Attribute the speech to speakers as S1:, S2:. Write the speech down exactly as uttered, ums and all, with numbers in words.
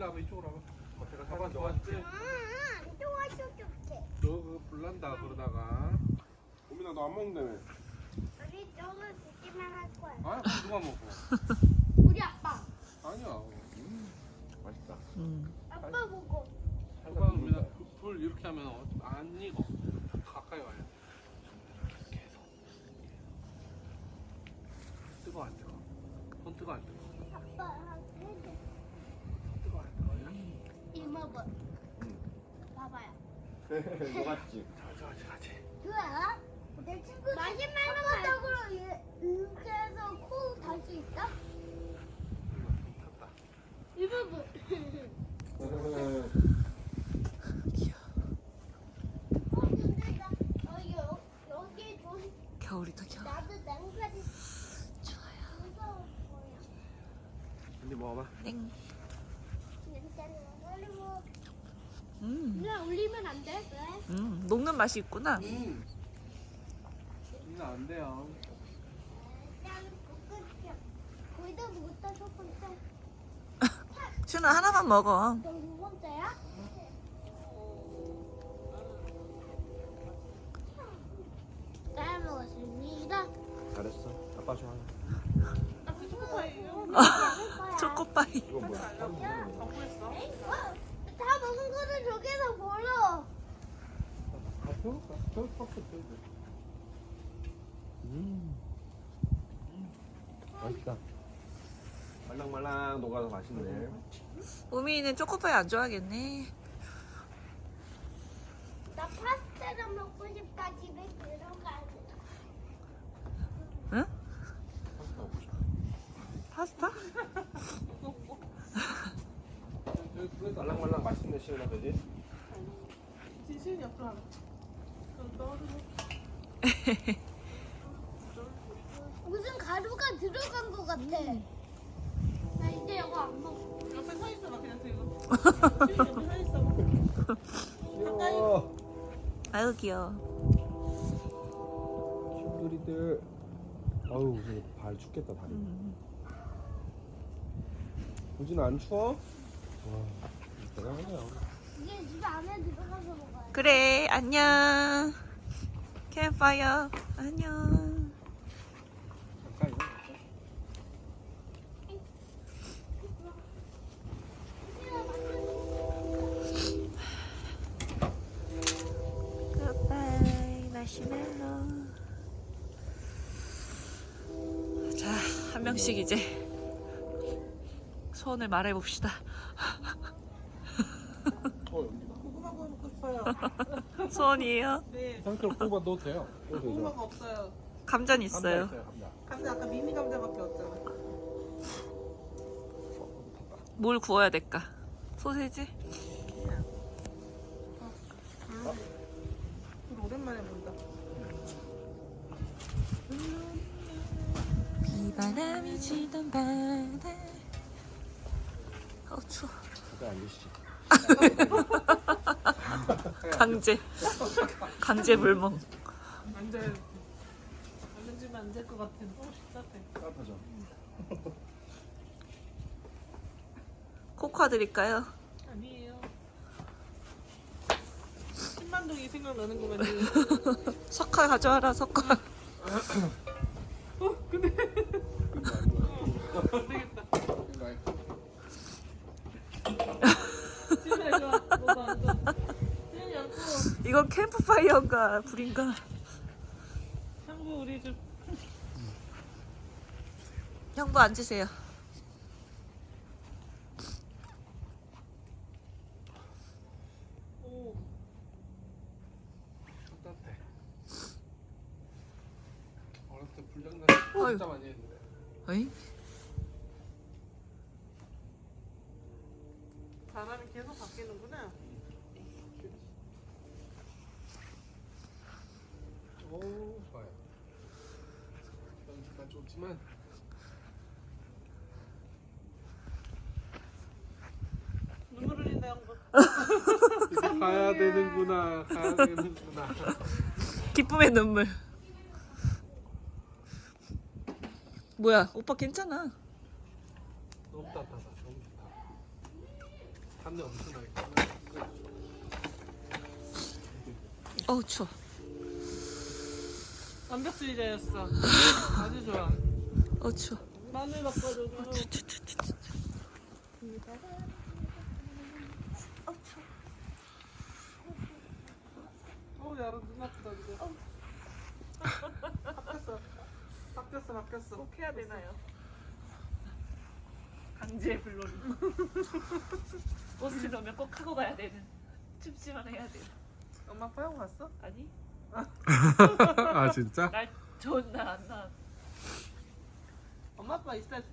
S1: 일로 와봐, 이쪽으로 와봐. 내가 잡아 도와줄게.
S2: 응, 도와줄게.
S1: 너 그거 불난다 그러다가.
S3: 고민아 너 안 먹는다며.
S2: 우리 저는 듣기만 할 거야.
S1: 아, 누가 먹어?
S2: 우리 아빠.
S1: 아니야.
S3: 음, 맛있다.
S4: 음.
S2: 아빠 보고.
S1: 누가 그러면 불 이렇게 하면 어- 안 익어. 가까이 와야 돼. 계속. 뜨거 안 뜨거? 손 뜨거 안 뜨거?
S2: 아빠 해줘.
S1: 뜨거 안 뜨거야?
S2: 이모부.
S3: 응.
S2: 봐봐요.
S3: 녹았지.
S1: 자, 자, 같이.
S2: 그래? 내 친구 마지막으로 아빠적으로 이렇게 해서 코 달 수 있어?
S1: 탔다.
S2: 이모부. 어 근데 나 어, 여, 여기 좀
S4: 겨울이 더 겨울.
S2: 나도 냉까지
S4: 좋아요.
S2: 무서워 보여.
S1: 언니 먹어봐.
S4: 땡.
S2: 냄새는 올리고.
S4: 음.
S2: 그냥 올리면 안 돼? 왜?
S4: 음. 녹는 맛이 있구나.
S1: 음. 이거 안 돼요.
S2: 난 볶을게. 거기다 먹었다 첫 번째.
S4: 준아 하나만 먹어.
S2: 너 두 번째야? 잘 먹었습니다.
S3: 잘했어. 아빠 좋아.
S2: 아빠 초코파이요?
S4: 초코파이.
S3: 이거 뭐야?
S2: 어? 다 먹은 거를 저기서 벌어.
S1: 아, 배울까? 배울까? 배울까?
S3: 음. 맛있다. 말랑말랑 녹아서 맛있네.
S4: 우미는 초코파이 안 좋아하겠네.
S2: 나 파스타를 먹고 싶다. 집에 들어가야 돼.
S4: 응?
S1: 파스타 먹고 싶어.
S4: 파스타?
S3: 말랑말랑 맛있네 시원하 그지?
S5: 진실이 없어. 좀 떠오르고.
S2: 무슨 가루가 들어간 것 같아. 나 이제 이거 안 먹어.
S5: 옆에 서 있어봐 그냥 들고. 진실 옆에 서 있어.
S3: 귀여워.
S4: 아유 귀여워.
S3: 친구들이들. 아유 저발 춥겠다 다리.
S4: 음.
S3: 우진아 안 추워? 와 대단하네요.
S2: 이제 집 안에 들어가서 먹어야 돼.
S4: 그래 안녕. 캠파이어 안녕.
S1: 잠깐 이거 먹자.
S4: 굿바이 마시멜로. 자, 한 명씩 이제 소원을 말해봅시다.
S3: 어 여기다.
S5: 고구마 구워 먹고 싶어요.
S4: 소원이에요?
S5: 네.
S1: 상추 뽑아 넣어도 돼요.
S5: 고구마가 없어요.
S4: 감자는
S1: 감자
S4: 있어요.
S1: 있어요, 감자.
S5: 감자 아까 미니 감자밖에 없잖아.
S4: 뭘 구워야 될까? 소세지?
S5: 그 오랜만에 본다.
S4: 비바람이 치던 바다. 어 추워.
S3: 잠깐 앉으시지.
S4: 강제. 강제 불멍.
S5: 앉아야 앉으면 안 될 것 같아. 너무 따뜻해.
S3: 따뜻하죠?
S4: 코코아 드릴까요?
S5: 아니에요. 신만동이 생각나는 거면
S4: 석화 가져와라 석화.
S5: 어 근데
S1: 이거
S5: 안 되겠다.
S1: 이거
S5: 지훈아 이거 너도 앉아. 지훈이 앉고.
S4: 이건 캠프파이어인가 불인가?
S5: 형부 우리 좀
S4: 형부 앉으세요.
S5: 오.
S1: 따뜻해. 어렸을 때 불장난
S4: 어휴.
S1: 진짜 많이 했는데.
S4: 어이?
S5: 바람이 계속 바뀌는구나.
S1: 오, 좋아요. 여기가 좋지만
S5: 눈물 흘린다 형부.
S1: 이제 가야 되는구나. 가야 되는구나.
S4: 기쁨의 눈물. 뭐야 오빠 괜찮아.
S1: 너무 따뜻하다. 너무 좋다. 담배 엄청나게.
S4: 어우 추워.
S5: 완벽주의자였어. 아주 좋아.
S4: 어우 추워.
S5: 마늘 바꿔줘도. 어우 야로 눈 아프다 이제. 바뀌었어. 바뀌었어 바뀌었어.
S4: 꼭 해야 되나요? 강제 불놀이. 옷을 넣으면 꼭 하고 가야 되는. 춥지만 해야 돼.
S5: 엄마 아빠 하고 갔어?
S4: 아니?
S3: 아 진짜?
S4: 날 좋은 날 안 나.
S5: 엄마 아빠 이따